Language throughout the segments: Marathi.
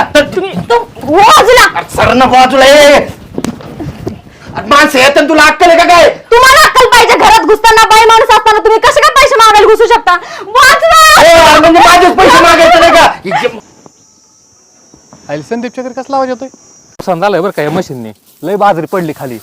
तुम्ही बाजूला सर नको बाजूला ये. माणसं येत तुला अक्कल आहे का काय? तुम्हाला अक्कल पाहिजे. घरात घुसताना बाई माणूस असताना तुम्ही कसे काय पैसे मागायला घुसू शकता? वाचवा. म्हणजे माझेच पैसे मागायचे नाही का? आईल संदीपच्या घरी कसला आवाज येतोय? नुकसान झालंय बरं काय मशीनने. लय बाजरी पडली खाली.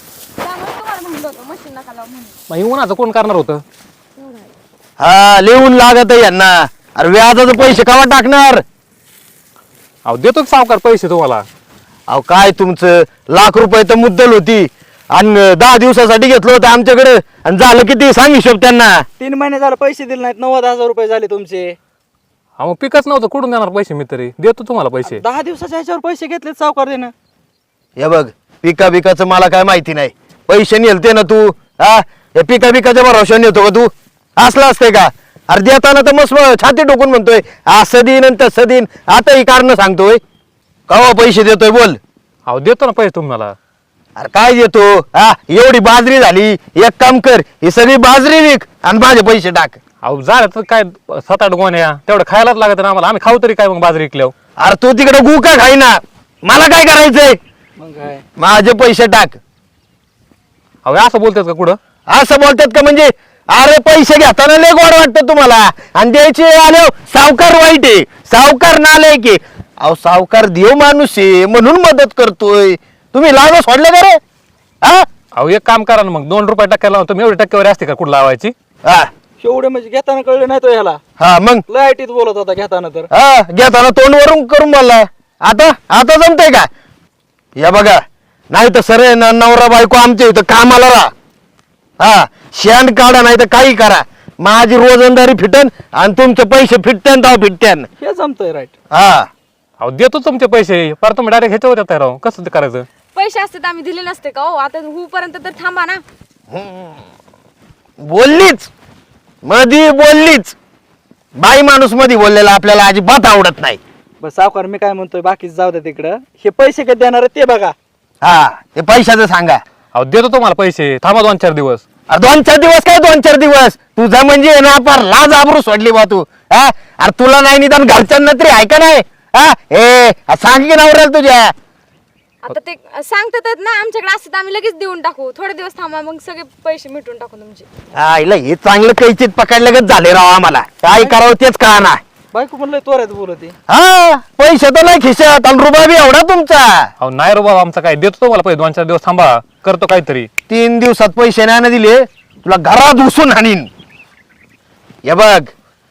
मग उन्हाचं कोण करणार होतं? हा लिहून लागत आहे यांना. अरे व्याजाचे पैसे केव्हा टाकणार? अहो देतो सावकार पैसे तुम्हाला. अहो काय तुमचं ₹1,00,000 तर मुद्दल होती आणि 10 दिवसासाठी घेतलं होतं आमच्याकडे आणि झालं किती सांग हिशोब त्यांना. 3 महिने झाले पैसे दिले नाहीत. 90,000 रुपये झाले तुमचे. हा मग पिकच नव्हतं कुठून देणार पैसे? मी तरी देतो तुम्हाला पैसे. 10 दिवसाच्या ह्याच्यावर पैसे घेतले सावकार देणं. हे बघ पिकाचं मला काय माहिती नाही. पैसे नेलते ना तू. हा हे पिकाच्या भरोशाने नेतो का तू? असलं असते का? अरे देताना तर मस्त छाती टोकून म्हणतोय असं दिन आणि तसं दिन. आता ही कारण सांगतोय कवा पैसे देतोय बोल. अहो देतो ना पैसे तुम्हाला. अरे काय देतो? हा एवढी बाजरी झाली. एक काम कर ही सगळी बाजरी विक आणि माझे पैसे टाक. अहो झालं तर काय 7-8 गोण्या तेवढं खायलाच लागत ना आम्हाला. आम्ही खाऊ तरी काय मग बाजरी विकल्यावर? अरे तू तिकडे गुका खाई ना. मला काय करायचंय? मग काय माझे पैसे टाक. अहो असं बोलतात का कुठं? असं बोलतात का? म्हणजे अरे पैसे घेताना लय गोड वाटतं तुम्हाला आणि द्यायचे आले सावकार वाईट आहे. सावकार नालाय की. अहो सावकार देव माणूस आहे म्हणून मदत करतोय. तुम्ही लावणं सोडलं का रे? हा अहो एक काम करा ना मग 2 रुपये टक्क्याला लावतो. तुम्ही एवढी टक्केवारी असते का कुठं लावायची? हा एवढे म्हणजे घेताना कळलं नाही तो ह्याला. हा मग लाईटीत बोलत होता घेताना तर. हा घेताना तोंड वरून करून बोलला. आता जमतंय का? या बघा नाही तर सर नवरा बायको आमच्या इथं कामाला राहा. हा शेण काढा नाही तर काही करा. माझी रोजंदारी फिटन आणि तुमचे पैसे फिटत्यान तर फिटत्यान. हे जमतंय राईट. हा अहो देतो तुमचे पैसे. पर तुम्ही डायरेक्ट ह्याच्यावर येताय राव. कसं ते करायचं? पैसे असते तर आम्ही दिले नसते का? हो आता पर्यंत तर थांबा ना. बोललीच मधी बोललीच. बाई माणूस मध्ये बोललेला आपल्याला अजिबात आवडत नाही. बस सावकार मी काय म्हणतोय बाकीच जाऊ दे तिकडं. हे पैसे कधी देणार आहे ते बघा. हा ते पैशाचं सांगा. अहो देतो तुम्हाला पैसे. थांबा 2-4 दिवस. अरे 2-4 दिवस काय 2-4 दिवस? तुझा म्हणजे ना फार लाज आबरू सोडली बा तू. हा अरे तुला नाही निदान घरच्यांना तरी आहे का नाही? हा हे सांग की नवऱ्याला तुझ्या. आता ते सांगतात ना आमच्याकडे असते तर आम्ही लगेच देऊन टाकू. थोडे दिवस थांबा मग सगळे पैसे मिटून टाकू तुमचे. आईला हे चांगलं कैचित पकडलं झाले राव आम्हाला. काय करावं तेच कळना. बायको म्हणलं त्वरेत बोलते. हा पैसे तर नाही खिशात आणि रुपया बी एवढा तुमचा. अहो नाही रे बाबा आमचा काय. देतो तुम्हाला पैसे. 2-4 दिवस थांबा. करतो काहीतरी. 3 दिवसात पैसे नाही ना दिले तुला घरात घुसून हाणीन. हे बघ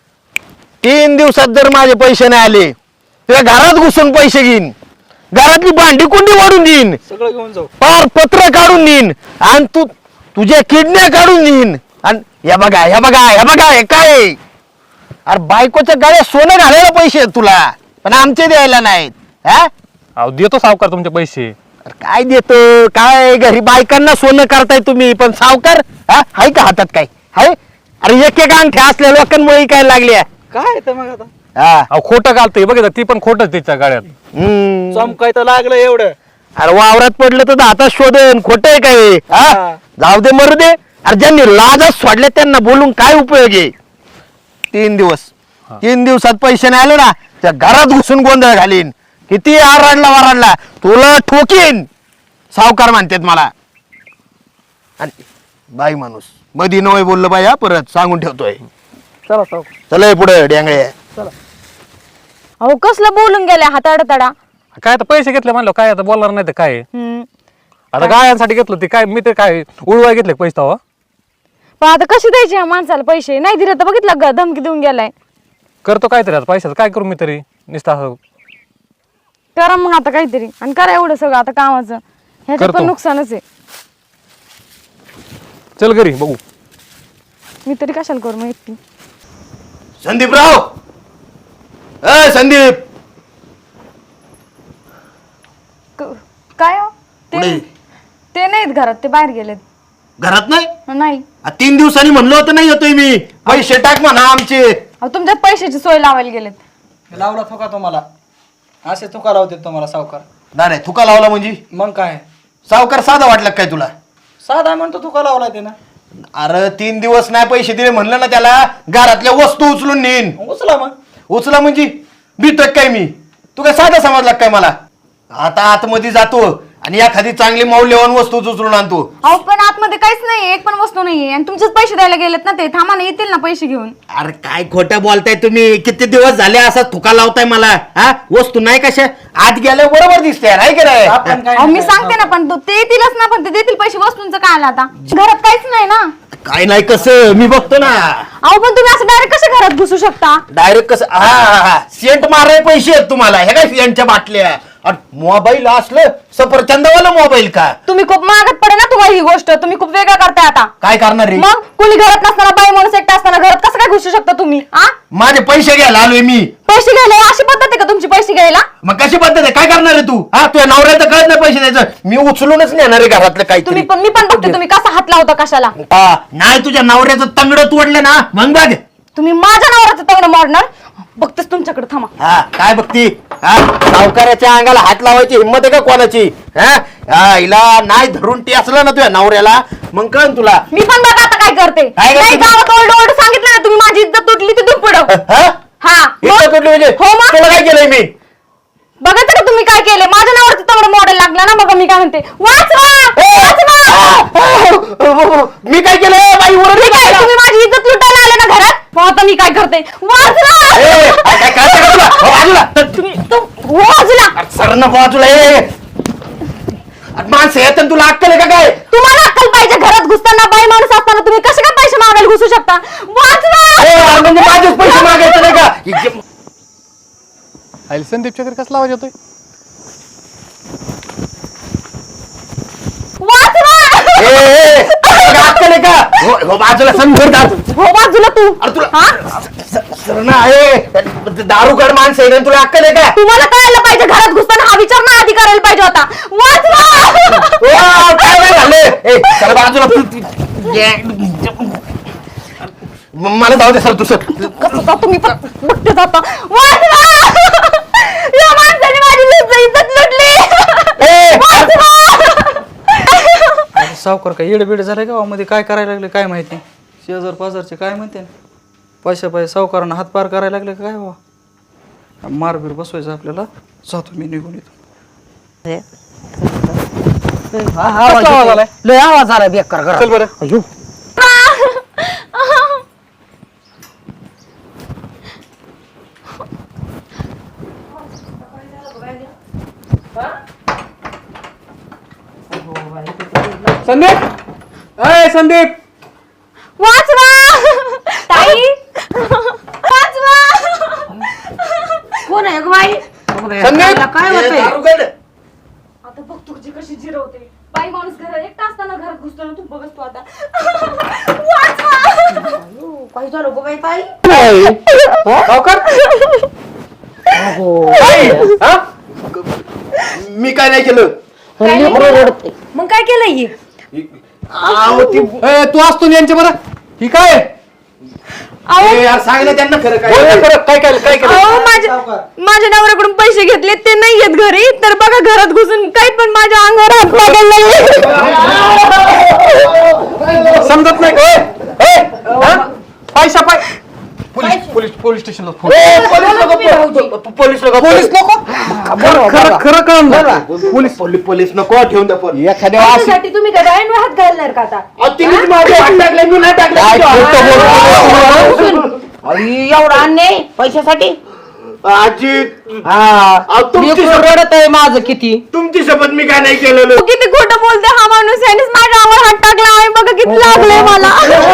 3 दिवसात जर माझे पैसे नाही आले तुला घरात घुसून पैसे घेईन. घरातली भांडी कुंडी वाढून देईन. सगळं घेऊन जाऊ. पार पत्र काढून देईन आणि तू तुझ्या किडन्या काढून देईन. आणि हे बघा हे काय आहे? अरे बायकोच्या गळ्यात सोनं घालायला पैसे आहेत तुला पण आमचे द्यायला नाहीत. हा अहो देतो सावकार तुमचे पैसे. अरे काय देतो काय? घरी बायकांना सोनं करताय तुम्ही पण सावकार हा हाय का हातात काय हाय? अरे एक अंगठ्या असल्या लोकांमुळे काय लागल्या. काय तर मग आता हा अहो खोटं घालतोय बघा. ती पण खोटंच तिच्या गाड्यात. चमकाय तर लागलं एवढं. अरे वावरात पडलं तर हातात शोधन खोट आहे काय? हा जाऊ दे मरू दे. अरे ज्यांनी लाजच सोडले त्यांना बोलून काय उपयोग आहे? 3 दिवसात पैसे नाही आले ना त्या घरात घुसून गोंधळ घालीन. किती आरडला तुला ठोकीन. सावकार म्हणतात मला. आणि बाई माणूस मधी नवय बोललं बाई. हा परत सांगून ठेवतोय. चला सावकार. चला पुढे डेंगळे. अहो कसलं बोलून गेल्या हाताडताडा. काय आता पैसे घेतले म्हणलं काय आता बोलणार नाही तर काय. आता गायांसाठी घेतलं ते काय. मी ते काय उडवाय घेतले पैसे तेव्हा. पण आता कशी द्यायचे ह्या माणसाला पैसे? नाही दिले तर बघितलं का धमकी देऊन गेलाय. करतो काहीतरी आता पैशाचं. काय करू मी तरी नुसतं असं. करा मग आता काहीतरी आणि करा एवढं सगळं आता कामाचं. ह्याच्यात करतो. पण नुकसानच आहे. चल घरी बघू. मी तरी कशाला करू मग एकटी. संदीपराव संदीप काय हो? कुठे? ते नाहीत घरात. ते बाहेर गेलेत. घरात नाही? नाही 3 दिवसांनी म्हणलो होतं नाही येतोय मी. पैसे टाक म्हणा आमचे. अहो तुमच्या पैशाची सोय लावायला गेलेत. लावला थुका तुम्हाला. असे थुका लावते तुम्हाला सावकार. नाही थुका लावला म्हणजे मग काय सावकार साधा वाटलं काय तुला? साधा म्हणतो थुका लावला ते ना. अरे 3 दिवस नाही पैसे दिले म्हणलं ना त्याला घरातल्या वस्तू उचलून नेईन. उचला मग. उचला म्हणजे भीतोय काय मी? तू काय साधा समजला काय मला? आता आतमध्ये जातो आणि एखादी चांगली मौल्यवान वस्तू उचलून आणतो. अहो पण आतमध्ये काहीच नाही, एक पण वस्तू नाहीये आणि तुमचेच पैसे द्यायला गेलेत ना ते. थांबा ना, येतील ना पैसे घेऊन. अरे काय खोटं बोलताय तुम्ही? किती दिवस झाले असा थुका लावताय मला? हा, वस्तू नाही कशा आत गेल्या बरोबर दिसते आहे की नाही? आपण काय अहो मी सांगते ना, पण ते येतीलच ना, पण ते देतील पैसे. वस्तूंचं काय आलं आता? घरात काहीच नाही ना. काय नाही कसं मी बघतो ना. अहो पण तुम्ही असं डायरेक्ट कसे घरात घुसू शकता? डायरेक्ट कसं? हा सेंट माराय पैसे आहेत तुम्हाला. हे काय सेंटच्या बाटल्या? मोबाईल असलं सफरचंदवाला मोबाईल का? तुम्ही खूप महागात पडे ना तुम्हाला ही गोष्ट. तुम्ही खूप वेगळं करताय आता. काय करणार रे? मग कोणी घरात नसताना, बाई माणूस एकटा असताना घरात कसं काय घुसू शकता तुम्ही? माझे पैसे घ्यायला आलोय मी. पैसे घ्यायला अशी पद्धत आहे का तुमची पैसे घ्यायला? मग कशी पद्धत आहे? काय करणार आहे तू? हा, तुझ्या नवऱ्याचं कळत नाही पैसे द्यायचं. मी उचलूनच नेणार आहे घरातलं तुम्ही काही. मी पण बघते तुम्ही कसा हात लावता कशाला. नाही तुझ्या नवऱ्याचं तंगड तोडलं ना मग बघ. तुम्ही माझ्या नवऱ्याचं तंगड मोडणार. बघतेच तुमच्याकडे. थांबा. हा काय बघती? हा, सावकाराच्या अंगाला हात लावायची हिंमत आहे का कोणाची? हा, हिला नाही धरून टी असलं ना तुझ्या नवऱ्याला मग कळ तुला. मी पण बघा आता काय करते. काय करते? नाही गावात ओरड ओरड सांगितलं ना तुम्ही, माझी इज्जत तुटली ती दुप्पट. हा इतकं तुटली म्हणजे? हो मग? तुला काय केलंय मी? बघायचं का तुम्ही काय केलं? माझ्या नावावरती तंगड मॉडेल लागला ना. बघा मी काय म्हणते. वाचवा वाचवा. मी काय केलं बाई? तुम्ही काय, तुम्ही माझी इज्जत लुटायला आले ना घरात. मग आता मी काय करते? वाचवा. काय कळतं का तुला? हो, बाजूला. तुम्ही वाजला. सर ना बाजूला ये. माणसं येत तुला अक्कल आहे का काय? तुम्हाला अक्कल पाहिजे. घरात घुसताना, बाई माणूस असताना तुम्ही कसे काय पैसे मागायला घुसू शकता? वाचवा. म्हणजे माझेच पैसे मागायचे नाही का? आईल संदीपच्या घरी कसला आवाज येतोय? वाचवा. अक्कल आहे का? हो बाजूला समजून. हो बाजूला तू. अरे तुला हा? सर ना आहे दारूगड माणसं आहे ना, तुला अक्कल आहे का? तुम्हाला कळायला पाहिजे. घरात घुसताना हा विचार ना आधी करायला पाहिजे होता. वाचवा. काय नाही झालं? चला बाजूला. मला जाऊ दे सर. तू सर कसं जातो तुम्ही पण बघते जाता. वाचवा. या माणसाने माझी इज्जत लुटली. वाचवा. सावकार काय येडबीड झालं गावामध्ये? काय करायला लागले काय माहिती? शेजार पाजारचे काय म्हणते? पैसे सावकारांना हातपार करायला लागले काय बाबा? मारबीर बसवायचं आपल्याला. जातो मी निघून येतो. आवाज आलाय? लय आवाज आला बेकार करा. चल बरं. अयो. संदीप, अय संदीप, वाचवा. ताई वाचवा. कोण आहे ग बाई? संदीप. काय होतंय? दारूगड. आता बघ तुझी कशी जिरवते. बाई माणूस घरात एकटा असताना घरात घुसतो ना. तू बघस तू आता. वाचवा. काय झालं ग बाई ताई? सावकार. आई, हा? मी काय नाही केलं. मग काय केलंय ही? आहो, ती ए, तू असतो ना यांच्या बरं. ही काय? ए, यार सांग ना त्यांना खरं काय. बोल ना खरं, काय केलं? काय केलं? अहो माझ्या नवऱ्याकडून पैसे घेतले ते नाही येत घरी. तर बघा घरात घुसून काही पण माझ्या अंगावर हात टाकायला लागले. समजत नाही का? पैसा पोलीस स्टेशनला फोन. पोलीस लोक खरं खरं कळलं. पोलीस नको ठेवून द्या फोन. एखाद्या त्याच्यासाठी तुम्ही काय डोळ्यांवर हात घालणार का आता? तिने माझे हात टाकले मी नाही टाकले. एवढा अन्याय पैशासाठी? आजी तुमची रडत आहे माझं किती. तुमची शपथ मी काय नाही केलेलं. तू किती खोटं बोलते. हा माणूस यानेच माझ्या अंगावर हात टाकला आहे. बघा किती लागले मला.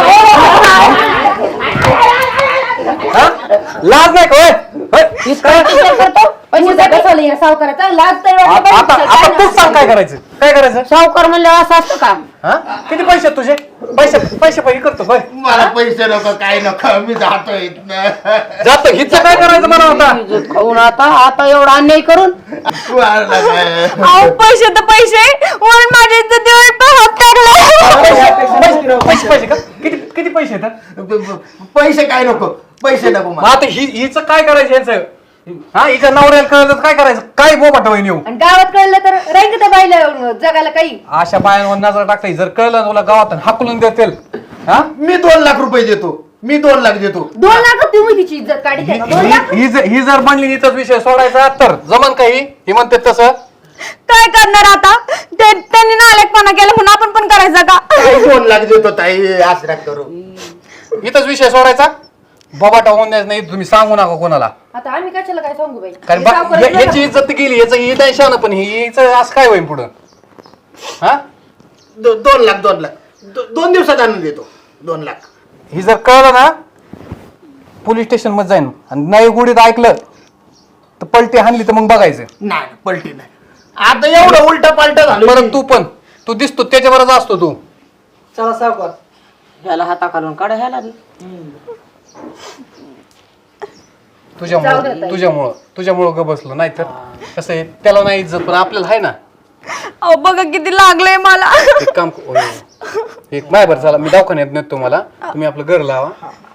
लाज नाही का? करतो पैशासाठी झालं या सावकाराचा. लाज तर वाटली आता पाहिजे. तूच सांग काय करायचं? काय करायचं? सावकार म्हणलं असं असतं का? हा? किती पैसे आहेत तुझे? पैसे करतो होय. मला पैसे नको काय नको मी जातो इथनं. जातो हिचं काय करायचं मला आता? इज्जत खाऊन आता एवढा अन्याय करून. अहो पैसे तर पैसे म्हणून माझ्या इज्जतीवर हात टाकला. पैसे का? किती पैसे आहेत? पैसे काय नको. पैसे नको मग मला. आता हिचं काय करायचं यांचं? हा, हिच्या नवऱ्याला कळलं तर काय करायचं? काय बोबाट होईन येऊ? आणि गावात कळलं तर राहील त्या बाईला जगाला काही. अशा बायांवर नजर टाकता. जर कळलं तुला गावात हाकलून देतील. हा, मी 2 लाख रुपये देतो. मी 2 लाख देतो. 2 लाख तुम्ही तिची इज्जत काढी का 2 लाख? ही जर म्हणली इथंच विषय सोडायचा तर जमन काही ही म्हणते तसं काय करणार आता त्यांनी नालायकपणा केला म्हणून आपण पण करायचं का? ताई 2 लाख देतो ताई आसरा करू. इथंच विषय सोडायचा बाबाटा होऊन द्यायचं नाही तुम्ही सांगू नका कोणाला आता आम्ही कशाला काय सांगू बाई कारण हे सावकाराचं याची इज्जत गेली याचं ही नाही शान पण हिचं असं काय होईल पुढं हा 2 लाख 2 लाख 2 दिवसात आणून देतो 2 लाख. ही जर कळलं ना पोलीस स्टेशन मध्ये जाईन आणि नाही गुढीत ऐकलं तर पलटी हाणली तर मग बघायचं नाही पलटी नाही. आता एवढं उलट पालट झालं. बरं तू दिसतो त्याच्यावरच असतो तू चला सावकार ह्याला हाता घालून काढा ह्याला तुझ्यामुळं ग बसलो नाही तर कसं आहे त्याला नाही इज्जत पण आपल्याला आहे ना. अहो बघा किती लागलंय मला. एक काम एक माझ्या बरं चला मी दवाखान्यात नेतो तुम्हाला तुम्ही आपलं घर लावा